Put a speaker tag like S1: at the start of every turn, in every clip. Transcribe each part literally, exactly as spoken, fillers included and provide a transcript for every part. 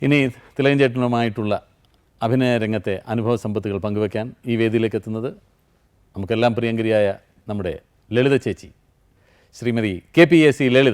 S1: ഇനി തിലകൻ ചേട്ടനുമായിട്ടുള്ള അഭിനയ രംഗത്തെ അനുഭവ സമ്പത്തുകൾ പങ്കുവയ്ക്കാൻ ഈ വേദിയിലേക്ക് എത്തുന്നത് നമുക്കെല്ലാം പ്രിയങ്കരിയായ നമ്മുടെ ലളിത ചേച്ചി Shrimati K P A C Lalitha.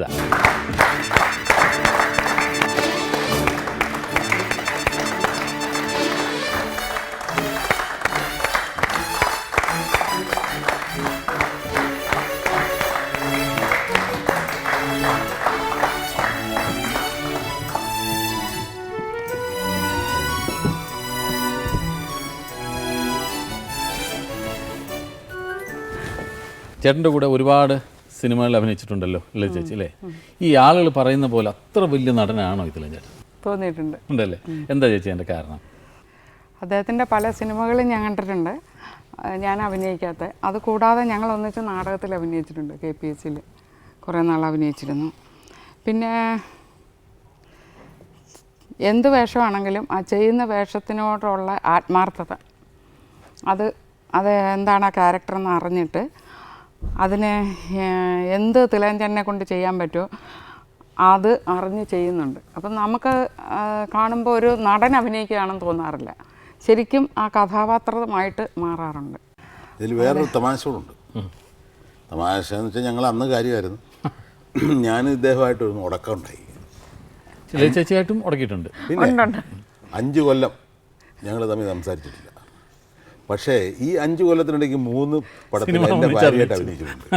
S1: ചേട്ടൻ്റെ കൂടെ ഒരുപാട് സിനിമകളിൽ അഭിനയിച്ചിട്ടുണ്ടല്ലോ ലളിത ചേച്ചി അല്ലേ? ഈ ആളുകൾ പറയുന്ന പോലെ അത്ര വലിയ നടനാണോ ഇതിലും ചേട്ടൻ?
S2: തോന്നിയിട്ടുണ്ട്.
S1: ഉണ്ടല്ലേ? എന്താ ചേച്ചി അതിൻ്റെ കാരണം?
S2: അദ്ദേഹത്തിൻ്റെ പല സിനിമകളും ഞാൻ കണ്ടിട്ടുണ്ട്, ഞാൻ അഭിനയിക്കാത്ത. അത് കൂടാതെ ഞങ്ങൾ ഒന്നിച്ച് നാടകത്തിൽ അഭിനയിച്ചിട്ടുണ്ട്. കെ പി എസ് സിയിൽ കുറേ നാൾ അഭിനയിച്ചിരുന്നു. പിന്നെ എന്ത് വേഷമാണെങ്കിലും ആ ചെയ്യുന്ന വേഷത്തിനോടുള്ള ആത്മാർത്ഥത, അത് അത് എന്താണ് ആ ക്യാരക്ടറെന്ന് അറിഞ്ഞിട്ട് അതിനെ എന്ത് തിലകൻ കൊണ്ട് ചെയ്യാൻ പറ്റുമോ അത് അറിഞ്ഞ് ചെയ്യുന്നുണ്ട്. അപ്പം നമുക്ക് കാണുമ്പോൾ ഒരു നടൻ അഭിനയിക്കുകയാണെന്ന് തോന്നാറില്ല, ശരിക്കും ആ കഥാപാത്രമായിട്ട് മാറാറുണ്ട്.
S3: ഇതിൽ വേറൊരു തമാശ കൂടുണ്ട്. തമാശ എന്ന് വെച്ചാൽ ഞങ്ങൾ അന്ന് കാര്യമായിരുന്നു, ഞാൻ ഇദ്ദേഹമായിട്ടൊരു ഉടക്കം ഉണ്ടായി.
S1: ചേച്ചിയായിട്ടും ഉടക്കിയിട്ടുണ്ട്.
S3: പിന്നെ അഞ്ച് കൊല്ലം ഞങ്ങൾ തമ്മിൽ സംസാരിച്ചിട്ടില്ല. പക്ഷേ ഈ അഞ്ചു കൊല്ലത്തിനിടയ്ക്ക് മൂന്ന് പടത്തിൽ എൻ്റെ ഭാര്യയായിട്ട് അഭിനയിച്ചിട്ടുണ്ട്.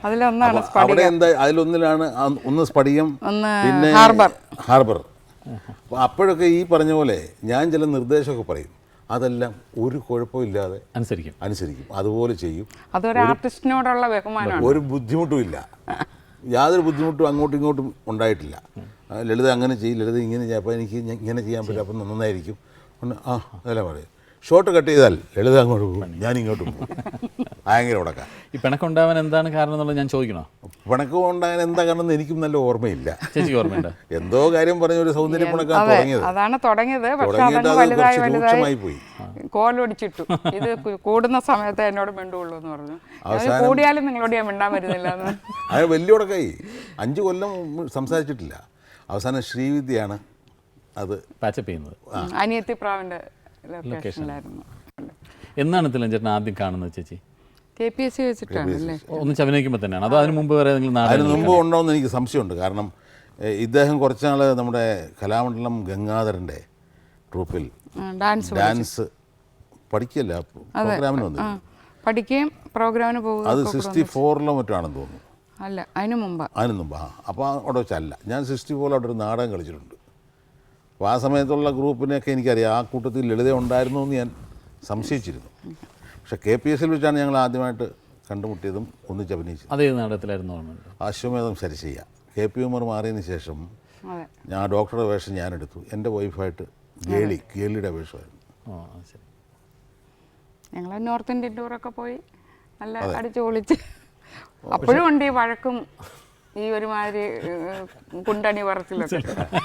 S3: അവിടെ എന്താ അതിലൊന്നിലാണ് ഒന്ന് സ്പടികം, പിന്നെ ഹാർബർ. അപ്പോൾ അപ്പോഴൊക്കെ ഈ പറഞ്ഞ പോലെ ഞാൻ ചില നിർദ്ദേശമൊക്കെ പറയും, അതെല്ലാം ഒരു കുഴപ്പമില്ലാതെ
S1: അനുസരിക്കും
S3: അനുസരിക്കും അതുപോലെ ചെയ്യും.
S2: അതൊരു ആർട്ടിസ്റ്റിനോടുള്ള ബഹുമാനമാണ്.
S3: ഒരു ബുദ്ധിമുട്ടും ഇല്ല, യാതൊരു ബുദ്ധിമുട്ടും അങ്ങോട്ടും ഇങ്ങോട്ടും ഉണ്ടായിട്ടില്ല. ലളിത അങ്ങനെ ചെയ്യും, ലളിത ഇങ്ങനെ ചെയ്യാം, അപ്പോൾ എനിക്ക് ഇങ്ങനെ ചെയ്യാൻ പറ്റും, അപ്പം നന്നായിരിക്കും. ആ അതെല്ലാം പറയും. ഷോട്ട് കട്ട് ചെയ്താൽ ലളിത അങ്ങോട്ട് പോകും, ഞാൻ ഇങ്ങോട്ടും പോകും. ഭയങ്കര ഉടക്കാം.
S1: ഈ പിണക്കുണ്ടാവാൻ എന്താണ് കാരണം എന്നുള്ളത് ഞാൻ ചോദിക്കണോ?
S3: പിണക്കം ഉണ്ടാകാൻ എന്താ കാരണം എന്ന് എനിക്കും നല്ല ഓർമ്മയില്ല.
S1: ചേച്ചിക്ക് ഓർമ്മയുണ്ട്?
S3: എന്തോ കാര്യം പറഞ്ഞ ഒരു സൗന്ദര്യ പിണക്കാൻ തുടങ്ങിയത്.
S2: അതാണ് തുടങ്ങിയത്.
S3: രൂക്ഷമായി പോയി,
S2: കോലൊടിച്ചിട്ടു. ഇത് കൂടുന്ന സമയത്ത് എന്നോട് മിണ്ടുള്ളൂ എന്ന് പറഞ്ഞു. കൂടിയാലും നിങ്ങളോട് ഞാൻ മിണ്ടാൻ വരുന്നില്ല.
S3: അത് വലിയ ഉടക്കായി. അഞ്ചു കൊല്ലം സംസാരിച്ചിട്ടില്ല. അവസാനം ശ്രീവിദ്യയാണ് അത്
S1: പാച്ചപ്പ് ചെയ്യുന്നത്.
S2: അനിയത്തി പ്രാവിൻ്റെ ലൊക്കേഷനിലായിരുന്നു.
S1: എന്നാണ് തിലകൻ ചേട്ടൻ ആദ്യം കാണുന്നത് ചേച്ചി?
S2: കെ പി എസ് സി വെച്ചിട്ടാണല്ലേ?
S1: ഒന്നിച്ച് അഭിനയിക്കുമ്പോൾ തന്നെയാണ് അതോ അതിന് മുമ്പ് വരെ?
S3: അതിന് മുമ്പ് ഉണ്ടോ എന്ന് എനിക്ക് സംശയമുണ്ട്. കാരണം ഇദ്ദേഹം കുറച്ചുനാൾ നമ്മുടെ കലാമണ്ഡലം ഗംഗാധരൻ്റെ ട്രൂപ്പിൽ ഡാൻസ് ഡാൻസ് പഠിക്കല്ല പ്രോഗ്രാമിന് വന്നു
S2: പഠിക്കുകയും പ്രോഗ്രാമിന് പോകും.
S3: അത് സിക്സ്റ്റി ഫോറിലോ മറ്റാണെന്ന് തോന്നുന്നു.
S2: അല്ല, അതിന് മുമ്പ്
S3: അതിന് മുമ്പ് ആ അപ്പോൾ അവിടെ വെച്ചല്ല. ഞാൻ സിക്സ്റ്റി ഫോറിൽ അവിടെ ഒരു നാടകം കളിച്ചിട്ടുണ്ട്. അപ്പോൾ ആ സമയത്തുള്ള ഗ്രൂപ്പിനെയൊക്കെ എനിക്കറിയാം. ആ കൂട്ടത്തിൽ ലളിത ഉണ്ടായിരുന്നു എന്ന് ഞാൻ സംശയിച്ചിരുന്നു. പക്ഷേ കെ പി എസ് സിയിൽ വെച്ചാണ് ഞങ്ങൾ ആദ്യമായിട്ട് കണ്ടുമുട്ടിയതും ഒന്നിച്ച് അഭിനയിച്ചത്.
S1: അതേ നാടകത്തിലായിരുന്നു.
S3: അശ്വമേധം സരിശയ്യ. കെ പി ഉമർ മാറിയതിന് ശേഷം ഞാൻ ഡോക്ടറുടെ വേഷം ഞാനെടുത്തു. എൻ്റെ വൈഫായിട്ട് ഗേളി ഗേളിയുടെ വേഷമായിരുന്നു.
S2: ഞങ്ങൾ നോർത്ത് ഇന്ത്യൻ ടൂറൊക്കെ പോയി നല്ല അടിച്ചു പൊളിച്ച്. അപ്പോഴും ഉണ്ട് ഈ വഴക്കും ഈ ഒരുമാതിരി കുണ്ടണി പറച്ചിലൊക്കെ.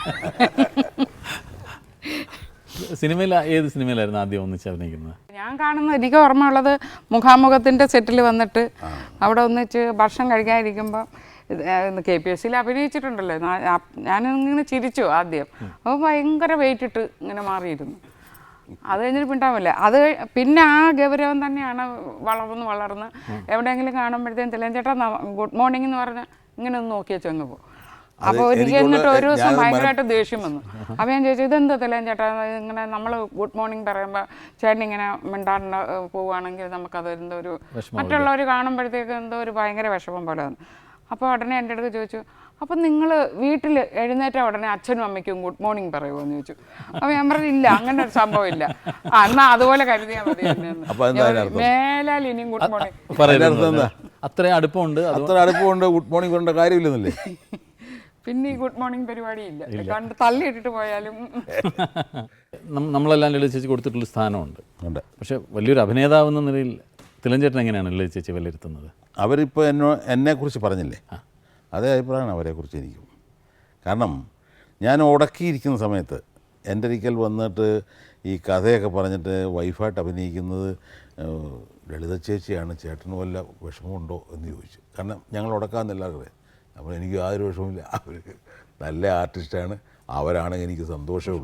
S1: സിനിമയിൽ ഏത് സിനിമയിലായിരുന്നു ആദ്യം ഒന്നിച്ച് അഭിനയിക്കുന്നത്?
S2: ഞാൻ കാണുന്നത്, എനിക്ക് ഓർമ്മയുള്ളത് മുഖാമുഖത്തിൻ്റെ സെറ്റിൽ വന്നിട്ട് അവിടെ ഒന്നിച്ച് ഭക്ഷണം കഴിക്കാതിരിക്കുമ്പോൾ കെ പി എസ് സിയിൽ അഭിനയിച്ചിട്ടുണ്ടല്ലോ. ഞാനിങ്ങനെ ചിരിച്ചു ആദ്യം. അപ്പോൾ ഭയങ്കര വെയിറ്റ് ഇട്ട് ഇങ്ങനെ മാറിയിരുന്നു. അത് കഴിഞ്ഞിട്ട് പിണ്ടാവില്ല. അത് പിന്നെ ആ ഗൗരവം തന്നെയാണ് വളർന്ന് വളർന്ന് എവിടെയെങ്കിലും കാണുമ്പോഴത്തേക്കും തിലകൻ ചേട്ടാ ഗുഡ് മോർണിംഗ് എന്ന് പറഞ്ഞാൽ ഇങ്ങനെ ഒന്ന് നോക്കി വെച്ച് അങ്ങ് പോകും. അപ്പോൾ എനിക്ക് എന്നിട്ട് ഒരു ദിവസം ഭയങ്കരമായിട്ട് ദേഷ്യം വന്നു. അപ്പോൾ ഞാൻ ചോദിച്ചു, ഇതെന്താ തിലകൻ ചേട്ടാ ഇങ്ങനെ നമ്മൾ ഗുഡ് മോർണിംഗ് പറയുമ്പോൾ ചേട്ടൻ ഇങ്ങനെ മിണ്ടാണ്ട് പോവുകയാണെങ്കിൽ നമുക്കത് എന്തോ ഒരു മറ്റുള്ളവർ കാണുമ്പോഴത്തേക്ക് എന്തോ ഒരു ഭയങ്കര വിഷമം പോലെ വന്നു. അപ്പോൾ ഉടനെ എൻ്റെ അടുത്ത് ചോദിച്ചു, അപ്പം നിങ്ങൾ വീട്ടിൽ എഴുന്നേറ്റ ഉടനെ അച്ഛനും അമ്മയ്ക്കും ഗുഡ് മോർണിംഗ് പറയുമോ എന്ന് ചോദിച്ചു. അപ്പോൾ ഞാൻ പറഞ്ഞു, ഇല്ല, അങ്ങനെ ഒരു സംഭവം ഇല്ല. ആ എന്നാൽ അതുപോലെ കരുതിയാൽ മതി, മേലാൽ ഇനിയും ഗുഡ് മോർണിംഗ്.
S1: അത്രയും അടുപ്പമുണ്ട്,
S3: അത്ര അടുപ്പമുണ്ട്, ഗുഡ് മോർണിംഗ് പറയേണ്ട കാര്യമില്ലെന്നല്ലേ.
S2: പിന്നെ ഈ ഗുഡ് മോർണിംഗ് പരിപാടി ഇല്ല, കണ്ട് തള്ളിയിട്ടിട്ട് പോയാലും.
S1: നമ്മളെല്ലാം ലളിത ചേച്ചി കൊടുത്തിട്ടുള്ള സ്ഥാനമുണ്ട്. പക്ഷെ വലിയൊരു അഭിനേതാവ് എന്ന നിലയിൽ തിലകൻ ചേട്ടൻ എങ്ങനെയാണ് ലളിത ചേച്ചി വിലയിരുത്തുന്നത്?
S3: അവരിപ്പോൾ എന്നോ എന്നെക്കുറിച്ച് പറഞ്ഞില്ലേ, അതേ അഭിപ്രായമാണ് അവരെക്കുറിച്ച് എനിക്കും. കാരണം ഞാൻ ഉടക്കിയിരിക്കുന്ന സമയത്ത് എൻ്റെ ഒരിക്കൽ വന്നിട്ട് ഈ കഥയൊക്കെ പറഞ്ഞിട്ട് വൈഫായിട്ട് അഭിനയിക്കുന്നത് ലളിത ചേച്ചിയാണ്, ചേട്ടന് വല്ല വിഷമമുണ്ടോ എന്ന് ചോദിച്ചു. കാരണം ഞങ്ങൾ ഉടക്കാമെന്നെല്ലാവരും. അപ്പോൾ എനിക്ക് യാതൊരു വിഷമമില്ല, അവർ നല്ല ആർട്ടിസ്റ്റാണ്, അവരാണെങ്കിൽ എനിക്ക് സന്തോഷമേ ഉള്ളൂ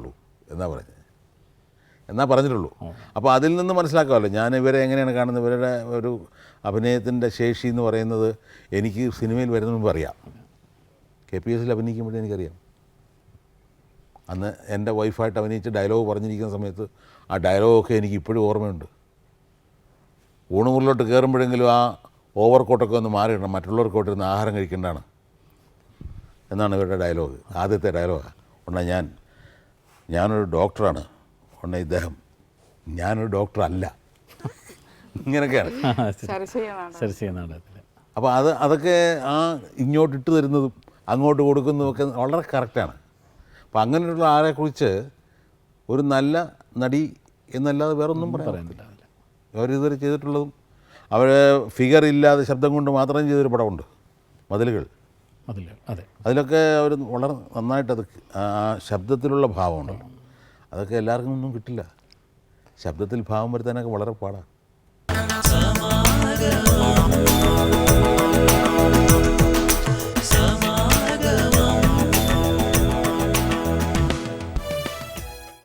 S3: എന്നാ പറഞ്ഞത് എന്നാ പറഞ്ഞിട്ടുള്ളൂ. അപ്പോൾ അതിൽ നിന്ന് മനസ്സിലാക്കാമല്ലോ ഞാൻ ഇവരെ എങ്ങനെയാണ് കാണുന്നത്. ഇവരുടെ ഒരു അഭിനയത്തിൻ്റെ ശേഷി എന്ന് പറയുന്നത് എനിക്ക് സിനിമയിൽ വരുന്ന മുമ്പ് അറിയാം. കെ പി എസ് സിയിൽ അഭിനയിക്കുമ്പോഴേ എനിക്കറിയാം. അന്ന് എൻ്റെ വൈഫായിട്ട് അഭിനയിച്ച് ഡയലോഗ് പറഞ്ഞിരിക്കുന്ന സമയത്ത് ആ ഡയലോഗൊക്കെ എനിക്ക് ഇപ്പോഴും ഓർമ്മയുണ്ട്. ഊണുമുറിലോട്ട് കയറുമ്പോഴെങ്കിലും ആ ഓവർ കോട്ടൊക്കെ ഒന്ന് മാറിയിടണം, മറ്റുള്ളവർക്ക് കൊണ്ടിരുന്ന് ആഹാരം കഴിക്കേണ്ടതാണ് എന്നാണ് ഇവരുടെ ഡയലോഗ്. ആദ്യത്തെ ഡയലോഗാണ്. ഉടനെ ഞാൻ ഞാനൊരു ഡോക്ടറാണ്. ഉടനെ ഇദ്ദേഹം ഞാനൊരു ഡോക്ടറല്ല. ഇങ്ങനെയൊക്കെയാണ്.
S1: ശരശയ്യ നാടകത്തിൽ.
S3: അപ്പോൾ അത് അതൊക്കെ ആ ഇങ്ങോട്ട് ഇട്ട് തരുന്നതും അങ്ങോട്ട് കൊടുക്കുന്നതുമൊക്കെ വളരെ കറക്റ്റാണ്. അപ്പോൾ അങ്ങനെയുള്ള ആളെക്കുറിച്ച് ഒരു നല്ല നടി എന്നല്ലാതെ വേറൊന്നും പറയുന്നില്ല. അവരിതുവരെ ചെയ്തിട്ടുള്ളതും അവർ ഫിഗർ ഇല്ലാതെ ശബ്ദം കൊണ്ട് മാത്രം ചെയ്തൊരു പടമുണ്ട്, മതിലുകൾ.
S1: മതിലുകൾ, അതെ.
S3: അതിലൊക്കെ അവർ വളരെ നന്നായിട്ടത് ആ ശബ്ദത്തിലുള്ള ഭാവമുണ്ടല്ലോ, അതൊക്കെ എല്ലാവർക്കും ഒന്നും കിട്ടില്ല. ശബ്ദത്തിൽ ഭാവം വരുത്താനൊക്കെ വളരെ പാടാണ്.